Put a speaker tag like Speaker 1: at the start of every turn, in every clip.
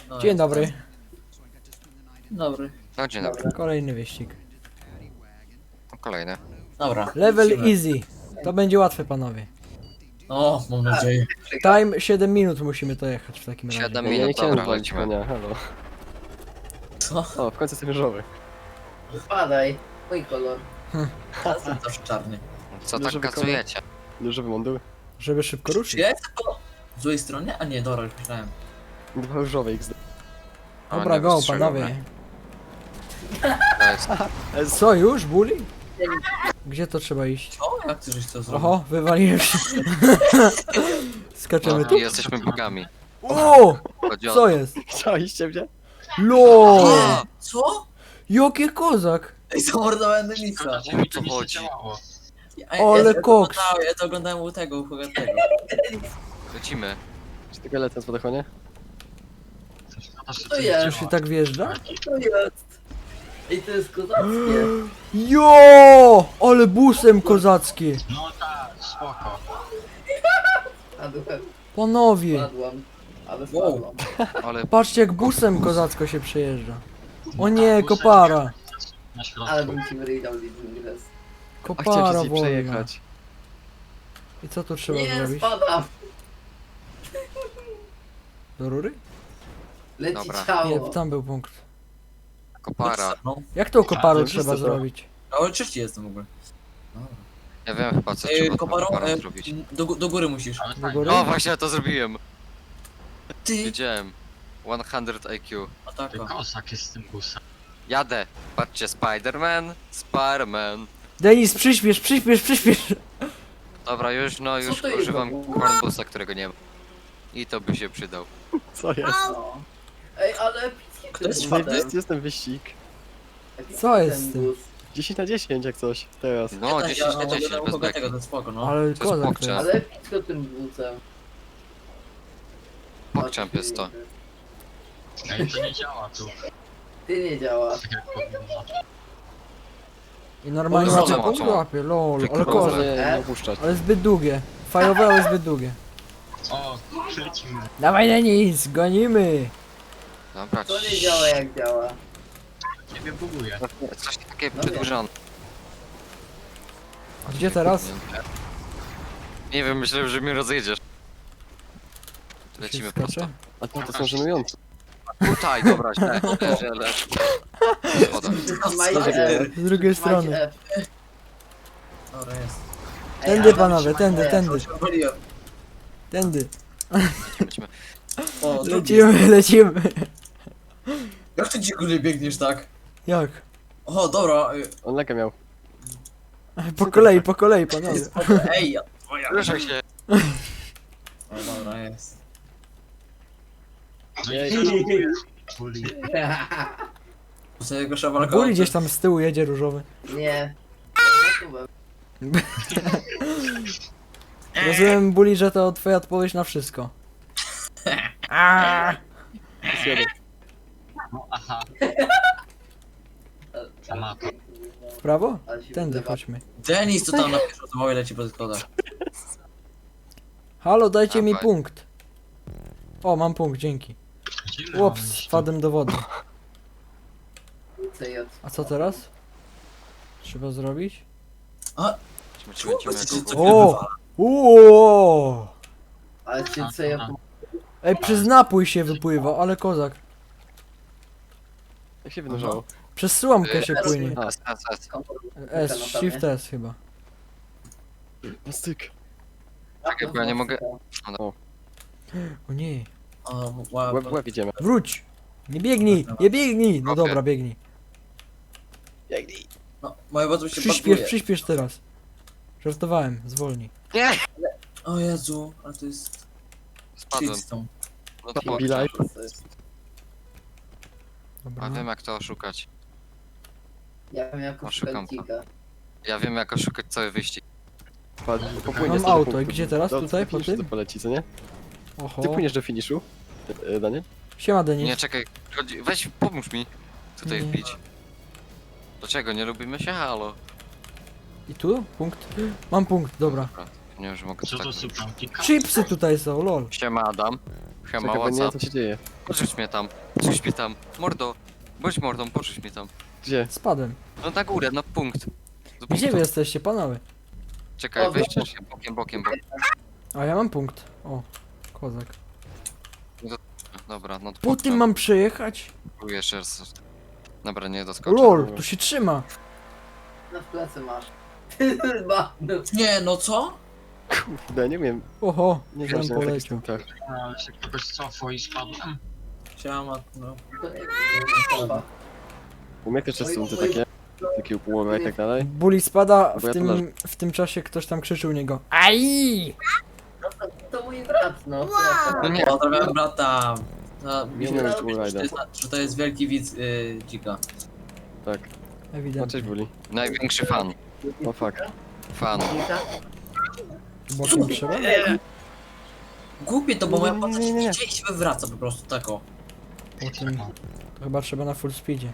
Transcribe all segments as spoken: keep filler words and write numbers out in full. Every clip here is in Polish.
Speaker 1: No,
Speaker 2: Dzień
Speaker 1: jest
Speaker 2: dobry.
Speaker 1: ten. Dobry.
Speaker 3: No dzień dobry.
Speaker 2: Kolejny wyścig.
Speaker 3: Kolejny.
Speaker 1: Dobra.
Speaker 2: Level
Speaker 1: lecimy.
Speaker 2: easy. To będzie łatwe, panowie.
Speaker 1: O, mam nadzieję.
Speaker 2: Time siedem minut musimy to jechać w takim razie.
Speaker 3: Siedem
Speaker 4: Ja nie
Speaker 3: minut,
Speaker 4: chciałem
Speaker 3: dobra,
Speaker 4: walić
Speaker 3: lecimy.
Speaker 4: konia, halo.
Speaker 1: Co?
Speaker 4: O, w końcu jestem różowy.
Speaker 5: Wypadaj, mój kolor.
Speaker 1: Ja jestem też czarny.
Speaker 3: Co
Speaker 4: Duży
Speaker 3: tak
Speaker 4: wykonał-
Speaker 3: kazujecie?
Speaker 4: Różowy mundur.
Speaker 2: Żeby szybko
Speaker 1: Czy
Speaker 2: ruszyć.
Speaker 1: ja jestem po złej stronie? A nie, dobra, już myślałem.
Speaker 4: Dwa różowe X D.
Speaker 3: O,
Speaker 2: Dobra,
Speaker 3: nie
Speaker 2: go,
Speaker 3: wystrzelił
Speaker 2: panowie.
Speaker 3: mnie. To jest-
Speaker 2: Co już, bully? Gdzie to trzeba iść?
Speaker 1: O, jak ty żeś to zrobił?
Speaker 2: Oho, wywaliłem się. Skaczemy
Speaker 3: No,
Speaker 2: tu?
Speaker 3: i jesteśmy bogami.
Speaker 2: O!
Speaker 3: Chodzi o...
Speaker 2: Co jest?
Speaker 4: Chcieliście mnie?
Speaker 2: LOL!
Speaker 3: A,
Speaker 1: Co?
Speaker 2: Jaki kozak!
Speaker 1: Ej, zamordowałem Denisa.
Speaker 3: o co chodzi?
Speaker 1: Ej,
Speaker 2: Ale
Speaker 1: ja to
Speaker 2: koks.
Speaker 1: oglądałem- Ja to oglądałem u tego, u Hugatego.
Speaker 3: Lecimy.
Speaker 4: Czy tylko lecę z podechonie?
Speaker 5: To jest,
Speaker 2: Już się tak wjeżdża?
Speaker 5: to jest. Ej, to jest kozackie.
Speaker 2: Jo! Ale busem kozackie!
Speaker 6: No tak, spoko.
Speaker 5: Padłem,
Speaker 2: Panowie!
Speaker 5: padłam. Ale
Speaker 1: Wow.
Speaker 5: spadłam.
Speaker 3: Ale
Speaker 2: Patrzcie jak busem kozacko się przejeżdża. O nie, kopara!
Speaker 6: Na środku.
Speaker 5: Ale bym ci wyryjał Living Grass.
Speaker 4: A
Speaker 2: Kopara
Speaker 4: chciałem się z niej
Speaker 2: wolna.
Speaker 4: przejechać.
Speaker 2: I co tu trzeba
Speaker 5: Nie,
Speaker 2: zrobić?
Speaker 5: spadam.
Speaker 2: Do rury?
Speaker 5: Leci
Speaker 3: Dobra.
Speaker 2: Nie,
Speaker 5: ciało.
Speaker 2: tam był punkt.
Speaker 3: kopara.
Speaker 1: No,
Speaker 2: Jak tą koparą
Speaker 4: to
Speaker 2: trzeba
Speaker 4: wszyscy to.
Speaker 2: zrobić?
Speaker 1: ale trzeci jestem w ogóle. Dobra.
Speaker 3: Ja wiem chyba co
Speaker 1: Ej,
Speaker 3: trzeba z
Speaker 1: koparą,
Speaker 3: koparą
Speaker 1: e,
Speaker 3: zrobić.
Speaker 1: do, gó- do góry musisz.
Speaker 6: Ale
Speaker 2: Do
Speaker 6: fajnie.
Speaker 2: góry?
Speaker 3: O, właśnie ja to zrobiłem.
Speaker 1: Ty!
Speaker 3: Wiedziałem. sto I Q.
Speaker 1: A tak,
Speaker 6: Ty
Speaker 1: o.
Speaker 6: kosak jest z tym busem.
Speaker 3: Jadę. Patrzcie, Spider-Man. Spider-Man.
Speaker 2: Denis, przyśpiesz, przyśpiesz, przyśpiesz!
Speaker 3: Dobra, już no, już
Speaker 5: to jest
Speaker 3: używam
Speaker 5: za-
Speaker 3: cornbusa, którego nie ma. I to by się przydał.
Speaker 4: Co jest?
Speaker 5: No. Ej, ale epicki
Speaker 1: Kto
Speaker 5: ten
Speaker 1: jest
Speaker 5: bus.
Speaker 1: czwarty?
Speaker 4: Zajebisty jest ten wyścig.
Speaker 5: Epicki
Speaker 2: Co jest
Speaker 5: ten
Speaker 2: z tym?
Speaker 5: bus.
Speaker 4: dziesięć na dziesięć jak coś, teraz.
Speaker 3: No,
Speaker 1: Ja,
Speaker 3: dziesięć
Speaker 1: ja
Speaker 3: na dziesięć
Speaker 1: oglądałem
Speaker 3: bez
Speaker 1: u Hugatego,
Speaker 3: beki.
Speaker 1: to spoko, no.
Speaker 2: Ale
Speaker 3: jest
Speaker 2: kozak to
Speaker 3: pokczem.
Speaker 2: jest.
Speaker 5: Ale epicko tym busem.
Speaker 3: Pogchamp jest to.
Speaker 6: Ej, to nie działa tu,
Speaker 5: Ty nie działa.
Speaker 6: tak jak powinno.
Speaker 2: I normalnie
Speaker 1: O,
Speaker 2: łapie
Speaker 3: zobacz,
Speaker 2: punkt
Speaker 3: zobacz.
Speaker 2: łapie, lol, ale
Speaker 3: Wykrowa.
Speaker 4: Proszę
Speaker 2: kozak.
Speaker 4: nie,
Speaker 5: E?
Speaker 4: nie opuszczać.
Speaker 2: Ale zbyt długie. Fajowe, ale zbyt długie.
Speaker 6: O, lecimy.
Speaker 2: Dawaj Denis, gonimy!
Speaker 3: Dobra,
Speaker 5: To nie działa jak działa.
Speaker 6: Ciebie buguje.
Speaker 3: coś takie
Speaker 5: No
Speaker 3: przedłużone.
Speaker 2: A gdzie teraz?
Speaker 3: Nie wiem, myślałem, że mnie rozjedziesz.
Speaker 2: Tu się
Speaker 3: Lecimy
Speaker 2: skacze?
Speaker 3: prosto.
Speaker 4: A to, to są żenujące.
Speaker 3: Tutaj, dobra, źle, źle, źle. Schodam.
Speaker 5: Trzymaj
Speaker 1: Co?
Speaker 5: F.
Speaker 2: Z drugiej
Speaker 5: Trzymaj
Speaker 2: strony.
Speaker 5: F.
Speaker 1: Dobra, jest.
Speaker 5: Ej,
Speaker 2: Tędy
Speaker 5: ale
Speaker 2: panowie,
Speaker 5: trzymaj
Speaker 2: tędy,
Speaker 5: F.
Speaker 2: tędy,
Speaker 1: Woliłem.
Speaker 2: tędy.
Speaker 3: Lecimy.
Speaker 1: O, drugi
Speaker 2: Lecimy, lecimy.
Speaker 1: jest. Jak ty dzikulie biegniesz tak?
Speaker 2: Jak?
Speaker 1: O, dobra. y,
Speaker 4: On legę miał.
Speaker 2: Po kolei, po kolei panowie.
Speaker 1: Ej, ja- twoja.
Speaker 3: Ruszaj się.
Speaker 1: O, dobra, jest.
Speaker 6: No
Speaker 4: Jej.
Speaker 6: i żartuję. Buli.
Speaker 1: Sobie go szawalka.
Speaker 2: Buli gdzieś tam z tyłu jedzie różowy.
Speaker 5: Nie.
Speaker 2: Rozumiem Buli, że to twoja odpowiedź na wszystko. Aaaa!
Speaker 4: Jest jeden.
Speaker 6: No aha, amator.
Speaker 2: W prawo?
Speaker 5: Ale się
Speaker 2: Tędy
Speaker 5: wyzywa.
Speaker 2: chodźmy.
Speaker 1: Denis to tam na pierwszą zwołę leci po schodach.
Speaker 2: Halo, dajcie mi
Speaker 3: Dawaj.
Speaker 2: punkt. O, mam punkt, dzięki.
Speaker 6: Gdzie my mamy
Speaker 2: Łops,
Speaker 6: iść?
Speaker 2: wpadłem do wody.
Speaker 5: C J.
Speaker 2: A co teraz? Trzeba zrobić?
Speaker 3: Lecimy, lecimy, lecimy.
Speaker 1: Czemu
Speaker 3: go,
Speaker 1: to
Speaker 3: go.
Speaker 1: mnie
Speaker 2: O!
Speaker 1: wywala?
Speaker 2: Uuu!
Speaker 5: Ale cię C J.
Speaker 2: Ej, przez napój się wypływa, ale kozak.
Speaker 4: Jak się wynurzało?
Speaker 2: Przez słomkę się płynie.
Speaker 3: S, S, S.
Speaker 2: S, Shift S chyba.
Speaker 4: No styk.
Speaker 3: Czekaj, bo ja nie mogę-
Speaker 2: O nie.
Speaker 1: O, wow.
Speaker 4: Łeb, w łeb idziemy.
Speaker 2: Wróć! Nie biegnij, nie biegnij! No dobra, biegnij.
Speaker 4: Biegnij.
Speaker 1: No, moje bardzo się
Speaker 2: Przyśpiesz,
Speaker 1: baguje.
Speaker 2: przyśpiesz teraz. Żartowałem, zwolnij.
Speaker 3: Nie!
Speaker 1: O Jezu, ale to jest...
Speaker 3: Spadłem.
Speaker 1: Shitstorm.
Speaker 3: No to
Speaker 4: Be
Speaker 3: pogczam.
Speaker 4: live.
Speaker 2: Dobra.
Speaker 3: A wiem jak to oszukać.
Speaker 5: Ja wiem jak
Speaker 3: Oszukam
Speaker 5: oszukać
Speaker 3: to.
Speaker 5: dzika.
Speaker 3: Ja wiem jak oszukać cały wyścig.
Speaker 4: Padł, popłynie
Speaker 2: Mam
Speaker 4: z tego
Speaker 2: auto,
Speaker 4: punktu.
Speaker 2: i gdzie teraz?
Speaker 4: Do-
Speaker 2: Tutaj,
Speaker 4: do
Speaker 2: po
Speaker 4: finiszu
Speaker 2: tym?
Speaker 4: to poleci, co nie?
Speaker 2: Oho.
Speaker 4: Ty płyniesz do finiszu, e, Daniel?
Speaker 2: Siema Denis.
Speaker 3: Nie, czekaj, chodzi, weź pomóż mi tutaj
Speaker 2: Nie.
Speaker 3: wbić. Dlaczego? Nie lubimy się? Halo.
Speaker 2: I tu? Punkt? Mam punkt, dobra.
Speaker 3: Dobra, nie wiem, że mogę
Speaker 6: Co
Speaker 3: tak
Speaker 6: to
Speaker 3: zrobić.
Speaker 6: suplanki?
Speaker 2: Chipsy tutaj są, lol.
Speaker 3: Siema Adam. Siema,
Speaker 4: Czekaj, bo nie wiem
Speaker 3: what's
Speaker 4: co
Speaker 3: up?
Speaker 4: się dzieje.
Speaker 3: Porzuć mnie tam, porzuć mnie tam. Mordo, bądź mordą, porzuć mnie tam.
Speaker 4: Gdzie?
Speaker 2: Spadłem.
Speaker 3: No na górę, na punkt. Do
Speaker 2: Gdzie
Speaker 3: punktu.
Speaker 2: wy jesteście, panowie?
Speaker 3: Czekaj,
Speaker 5: O,
Speaker 3: weźcie
Speaker 5: no.
Speaker 3: się bokiem, bokiem, bokiem.
Speaker 2: A ja mam punkt. O, kozak.
Speaker 3: Dobra, no to
Speaker 2: Po tym mam przejechać?
Speaker 3: mam... jeszcze raz. Dobra, nie doskoczę.
Speaker 2: Lol, tu się trzyma.
Speaker 5: Na plecy masz. Ma, no.
Speaker 1: Nie, no co?
Speaker 4: Kurde, nie wiem.
Speaker 2: Oho,
Speaker 4: Nie
Speaker 2: tam
Speaker 4: wiem, jak
Speaker 2: poleciał.
Speaker 4: tak.
Speaker 6: No, ale się kogoś cofło i spadłem.
Speaker 1: Siema, no.
Speaker 5: To nie wiem.
Speaker 4: U mnie też są te takie, takie upłowy i tak dalej.
Speaker 2: Bully spada,
Speaker 4: Bo
Speaker 2: w
Speaker 4: ja tu
Speaker 2: tym, w tym czasie ktoś tam krzyczył u niego. Aj!
Speaker 5: No to, to mój brat, no. To ja
Speaker 3: No nie.
Speaker 1: Pozdrawiam brata. No, mi
Speaker 4: Nie
Speaker 1: się
Speaker 4: wiem,
Speaker 1: wydaje,
Speaker 4: czy był
Speaker 1: że, to
Speaker 4: Raiden.
Speaker 1: jest, że to jest wielki widz y, dzika.
Speaker 4: Tak. No cześć,
Speaker 2: Ewidentnie.
Speaker 4: Buli.
Speaker 3: Największy fan.
Speaker 4: O fuck.
Speaker 3: Fan.
Speaker 5: Dzika?
Speaker 2: Bokiem trzeba?
Speaker 1: Głupie to, bo
Speaker 4: Nie,
Speaker 1: moja
Speaker 4: nie,
Speaker 1: postać
Speaker 4: nie, nie, nie.
Speaker 1: idzie i się wywraca po prostu, tak o.
Speaker 2: Po tym, to chyba trzeba na full speedzie.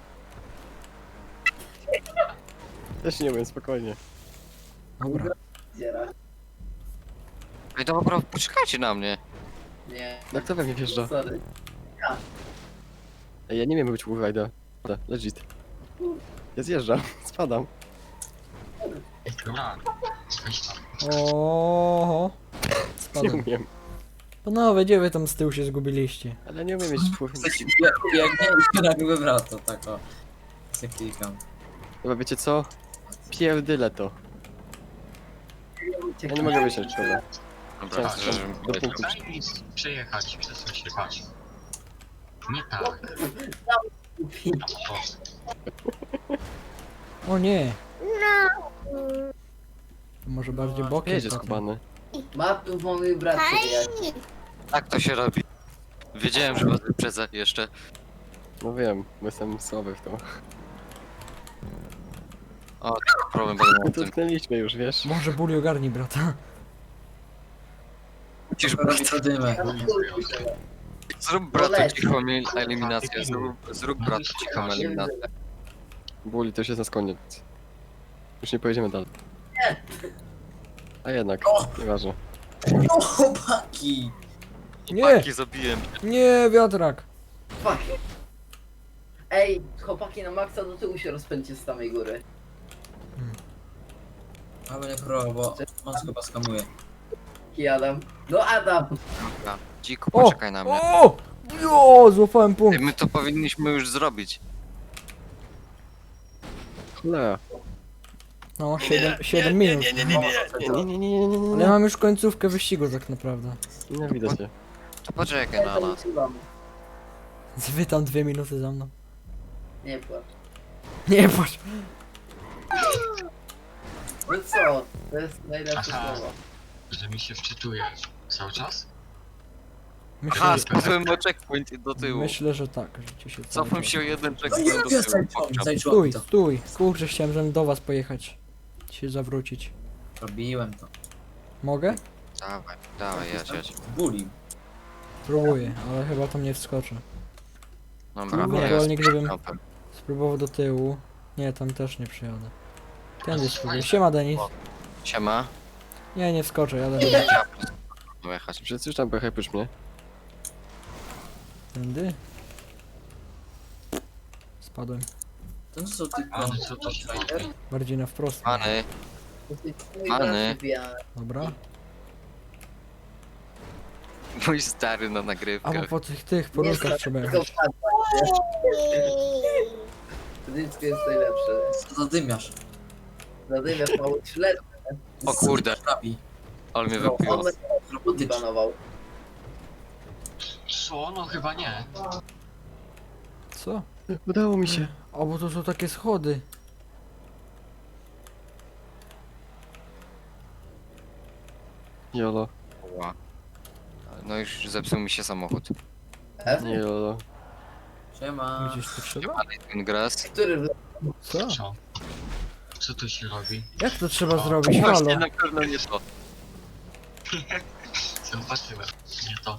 Speaker 4: Też nie wiem, spokojnie.
Speaker 2: Dobra.
Speaker 5: Dziera.
Speaker 3: Ej, dobra, poczekajcie na mnie.
Speaker 5: Nie.
Speaker 4: Jak to we mnie wjeżdża?
Speaker 5: Sorry.
Speaker 4: Ej, ja nie wiem być Wurajda. Legit. Ja zjeżdżam, spadam.
Speaker 6: Dobra, weź tam.
Speaker 2: Oho.
Speaker 4: Nie
Speaker 2: Spadłem.
Speaker 4: umiem.
Speaker 2: Panowie, gdzie wy tam z tyłu się zgubiliście?
Speaker 4: Ale nie umiem mieć człowieka.
Speaker 1: Coś jak, jak nie, i się nagle wywraca, tak o. Se klikam.
Speaker 4: Chyba wiecie co? Pierdyle to. Ja nie mogę wysiąść, dobra.
Speaker 3: Dobra,
Speaker 4: Tak,
Speaker 3: że...
Speaker 4: do punktu.
Speaker 6: Daj mi przejechać, przesuń się, patrz. Nie tak. O,
Speaker 2: O nie. To może bardziej bokiem.
Speaker 4: Jedzie
Speaker 2: potem.
Speaker 4: skubany.
Speaker 5: Ma tu mój brat, jak.
Speaker 3: Tak to się robi. Wiedziałem, że was wyprzedzę jeszcze.
Speaker 4: No wiem, bo jestem słaby w to.
Speaker 3: Problem będę
Speaker 4: My
Speaker 3: miał w tym.
Speaker 4: dotknęliśmy już, wiesz?
Speaker 2: Może Bully ogarnij brata.
Speaker 3: Musisz
Speaker 1: Robi to dymę.
Speaker 3: Zrób bratu cichą el- eliminację. Zrób, zrób bratu cichą eliminację.
Speaker 4: Buli, to już jest nas koniec. Już nie pojedziemy dalej. A jednak,
Speaker 1: O!
Speaker 4: nieważne.
Speaker 1: No chłopaki!
Speaker 2: Nie.
Speaker 3: Chłopaki, zabiłem.
Speaker 2: Nie, wiatrak.
Speaker 5: Fuck. Ej, chłopaki na maksa do tyłu się rozpędźcie z samej góry.
Speaker 1: Ale nie pro, bo on chyba skamuje.
Speaker 5: I Adam. No Adam!
Speaker 3: Dobra. Dziku,
Speaker 2: O!
Speaker 3: poczekaj na mnie.
Speaker 2: O! Jo, złapałem
Speaker 3: Ty,
Speaker 2: punkt.
Speaker 3: my to powinniśmy już zrobić.
Speaker 4: Cholera.
Speaker 2: No, siedem minut.
Speaker 4: Nie, nie, nie, nie, nie, nie,
Speaker 2: Ale ja mam już końcówkę wyścigu tak naprawdę.
Speaker 4: Nienawidzę cię.
Speaker 3: To poczekaj na nas.
Speaker 2: Wy tam dwie minuty za mną.
Speaker 5: Nie płacz.
Speaker 2: Nie patrz.
Speaker 5: No co? To jest najlepsze
Speaker 6: Aha.
Speaker 5: słowo.
Speaker 6: że mi się wczytuje cały czas?
Speaker 2: Myślę,
Speaker 3: Aha,
Speaker 2: że,
Speaker 3: spadłem o checkpoint do tyłu.
Speaker 2: myślę, że tak, że ci się cały
Speaker 3: Cofam
Speaker 2: czas-
Speaker 3: się o jeden
Speaker 1: No nie
Speaker 3: checkpoint do
Speaker 1: wiem,
Speaker 3: tyłu.
Speaker 1: zajczyłam,
Speaker 3: Pokczam.
Speaker 1: zajczyłam
Speaker 2: Stój,
Speaker 1: to.
Speaker 2: stój. Kurczę, chciałem, żebym do was pojechać. Się zawrócić.
Speaker 1: Robiłem to.
Speaker 2: Mogę?
Speaker 3: Dawaj, dawaj, jedź, jedź.
Speaker 1: Buli.
Speaker 2: Próbuję, ale chyba tam nie wskoczę.
Speaker 3: Dobra,
Speaker 2: Nie,
Speaker 3: jest.
Speaker 2: ewentualnie gdybym
Speaker 3: Dobra.
Speaker 2: spróbował do tyłu. Nie, tam też nie przyjadę. Tędy spróbuję. Siema, Denis.
Speaker 3: Siema.
Speaker 2: Nie, nie wskoczę, jadę do
Speaker 3: No jechać.
Speaker 4: Przecież już tam pojechaj prócz mnie.
Speaker 2: Tędy. Spadłem.
Speaker 1: To co ty
Speaker 6: A, no co to się robi?
Speaker 2: Bardziej na wprost.
Speaker 3: Pany,
Speaker 5: Mój
Speaker 3: Pany.
Speaker 5: brat wbija.
Speaker 2: Dobra.
Speaker 3: mój stary na
Speaker 2: A bo
Speaker 3: nagrywkach.
Speaker 2: po tych, tych porurkach trzeba
Speaker 5: Tylko
Speaker 2: jechać.
Speaker 5: wpadła. Dyńsko jest najlepsze.
Speaker 1: Co zadymiasz?
Speaker 5: Zadymiasz mało śledzy.
Speaker 3: O kurde.
Speaker 1: Trapi.
Speaker 3: Ale mnie
Speaker 5: On
Speaker 3: wypiło.
Speaker 5: mnie
Speaker 1: Robotycznie.
Speaker 5: banował.
Speaker 6: Co? No chyba nie.
Speaker 2: Co?
Speaker 4: Udało mi się.
Speaker 2: O, bo to są takie schody.
Speaker 4: Jolo.
Speaker 3: Ła. No już zepsuł mi się samochód.
Speaker 5: F?
Speaker 4: Nie jolo.
Speaker 1: Siema.
Speaker 2: Gdzieś tu trzeba?
Speaker 3: Ale ten gras.
Speaker 5: Który w...
Speaker 2: Co?
Speaker 6: Co? Co tu się robi?
Speaker 2: Jak to trzeba zrobić?
Speaker 3: Właśnie
Speaker 2: Halo.
Speaker 3: na pewno nie to.
Speaker 6: Zobaczyłem. Nie to.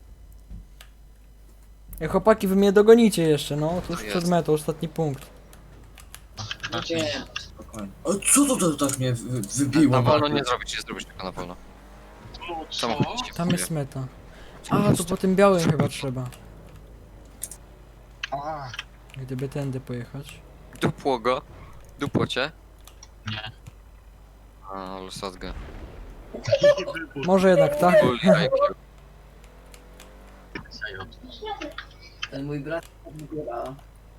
Speaker 2: Ej, chłopaki, wy mnie dogonicie jeszcze, no. To już
Speaker 3: To
Speaker 2: przed
Speaker 3: jest.
Speaker 2: metą, ostatni punkt.
Speaker 6: Raczej
Speaker 1: Nie, spokojnie. O co to, to tak mnie wy- wybiło?
Speaker 3: Na wolno nie zrobić, nie zrobić tego na wolno.
Speaker 6: No co?
Speaker 3: Samochód ci
Speaker 2: Tam
Speaker 3: wpłynie.
Speaker 2: jest meta. A, to po tym białym chyba trzeba.
Speaker 6: O,
Speaker 2: Gdyby tędy pojechać.
Speaker 3: Dupło go. Dupło cię.
Speaker 6: nie.
Speaker 3: A, ale sadgę.
Speaker 2: Może jednak tak?
Speaker 3: Bully I Q.
Speaker 6: Zajot.
Speaker 5: Ten mój brat wybiera.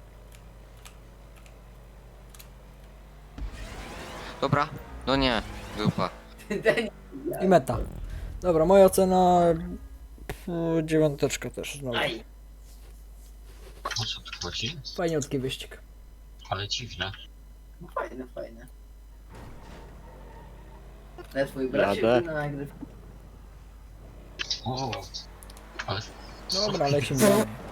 Speaker 3: Dobra. No nie. Dupa.
Speaker 5: Ten
Speaker 2: I meta. Dobra, moja ocena... pff, Dziewiąteczka też znowu.
Speaker 5: Aj.
Speaker 6: O co tu chodzi?
Speaker 2: Fajniutki wyścig.
Speaker 6: Ale dziwne.
Speaker 5: No fajne, fajne. Ale twój brat się
Speaker 4: Jadę.
Speaker 5: na nagrywkę.
Speaker 6: O, ale...
Speaker 2: Dobra, lecimy dalej.